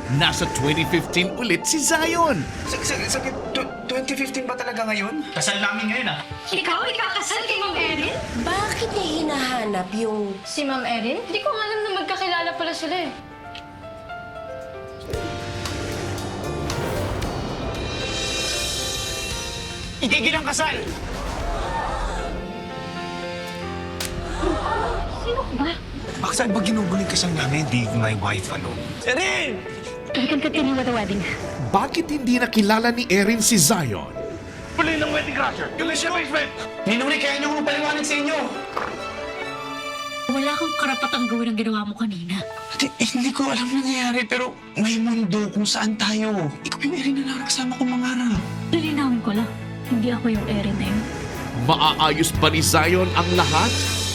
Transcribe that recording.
nasa 2015 ulit si Zion. Sakit, 2015 ba talaga ngayon? Kasal namin ngayon ah. Ikaw ikakasal kay Ma'am Erin? Bakit niya hinahanap yung... Si Ma'am Erin? Hindi ko alam na magkakilala pala sila eh. Itigil ang kasal! Sino ba? Bakit saan ba ginuguling ka siyang namin? Di my wife, ano? Erin! We can continue with the wedding. Bakit hindi nakilala ni Erin si Zion? Huli ng wedding crasher! Yung mission basement! Ninuri, kaya niyo kung paliwanag sa inyo! Wala kang karapatang gawin ang ginawa mo kanina. Hindi ko alam nangyayari, pero may mundo kung saan tayo. Ikaw yung Erin na nakasama kong mangarap. Lilinawin ko lang, hindi ako yung Erin na yun. Maaayos ba ni Zion ang lahat?